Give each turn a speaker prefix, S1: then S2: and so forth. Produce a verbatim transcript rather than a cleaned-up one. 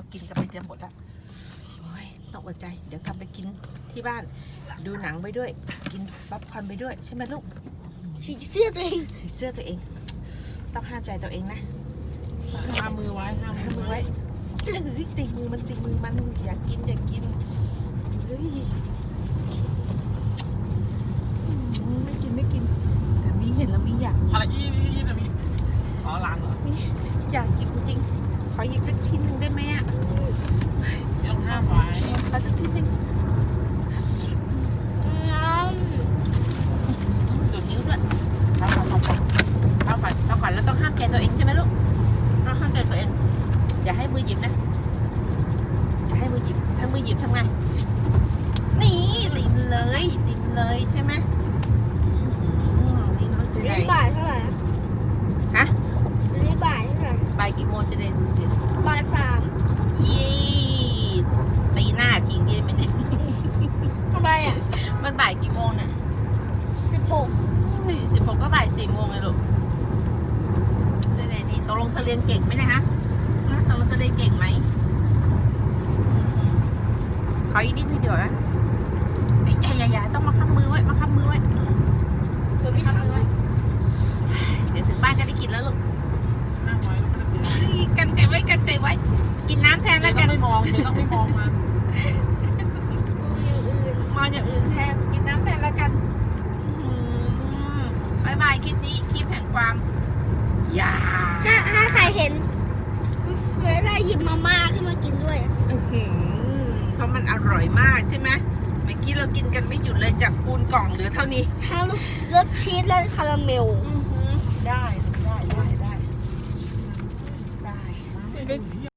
S1: กินกันไปจะหมดละโอ้ยต้องอดใจเดี๋ยวกลับไปกินที่บ้านดูหนังไปด้วยกินป๊อปคอร์นไปด้วยใช่ไหมลูก
S2: ฉีกเสื้อตัวเอง
S1: เสื้อตัวเองต้องห้ามใจตัวเองนะ
S3: ห้ามมือไว้ห้าม
S1: ห้ามมื
S3: มื
S1: อ
S3: อไว้
S1: ไว้เฮ้ยตีมือมันตีมือมันอยากกินอยากกินเฮ้ยอืมไม่กินไม่กินแต่มีเห็นแล้วมีอยากกิน
S3: อะไรอีนี่นี่นะมีอ๋อร้านเหรอ
S1: นี่อยากกินจริงขอหยิบสักชิ้นหนึ่งได้ไหมอ่ะ
S3: ไม่ต้องห้ามไว้
S1: ขอสักชิ้นหนึ่ง ดูดนิ้วด้วยเอาก่อนเอาก่อนเอาก่อนเอาก่อนแล้วต้องห้ามใจตัวเองใช่ไหมลูกต้องห้ามใจตัวเองอย่าให้มือหยิบนะอย่าให้มือหยิบถ้ามือหยิบทำไงนี่ติมเลยติมเลยใช่ไหมอืมนี่น้องจะ
S2: เรี
S1: ได้
S2: ยกบ่ายเท่าไหร่
S1: ฮะ
S2: เรียกบ่ายเท่าไหร่
S1: บ่ายกี่โมงจะได้ดูสิ
S2: บ่ายสาม
S1: ยี่ตีหน้าทิ้งดีไหมเนี่ย
S2: ทำไมอ่ะ
S1: มันบ่ายกี่โมงเนี่ย
S2: สิบหก
S1: สิบหกก็บ่ายสี่โมงเลยลูกจะได้นี่ตกลงเธอเรียนเก่งไหมเนะฮะฮะตกลงเธอเรียนเก่งไหมขออีกนิดนึงเดียวนะไอ้ยายาต้องมาค้ำมือไว้มาค้ำมือไว้
S2: เดี๋ยวไม่
S1: ค้ำ
S2: ทำ
S1: มือไว้เดี๋ยวถึงบ้านก็ได้กินแล้วลูก
S3: ห้ามไว้แล้วก็ไม่ได้
S1: เฮ้ยกันใจไว้กันใจไว้ กินน้ำแทน
S3: กิน
S1: แล้ว
S3: ต้
S1: กั
S3: อน งไม่มองเดี๋ยวต้องไม่มองมัน
S1: มองอย่างอื่นแทนกินน้ำแทนแล้วกันอืมบายบายคลิปนี้คลิปแห่งความยา
S2: ถ้าถ้าใครเห็นเวลาหยิบมาม่าขึ้นมากินด้วย
S1: อื้อหือเพราะมันอร่อยมากใช่ไหมเมื่อกี้เรากินกันไม่หยุดเลยจากปูนกล่องเหลือเท่านี้
S2: ทั้งรสชีสและคาราเมล
S1: ได้ได้ได้ได้ได้
S2: มันจะ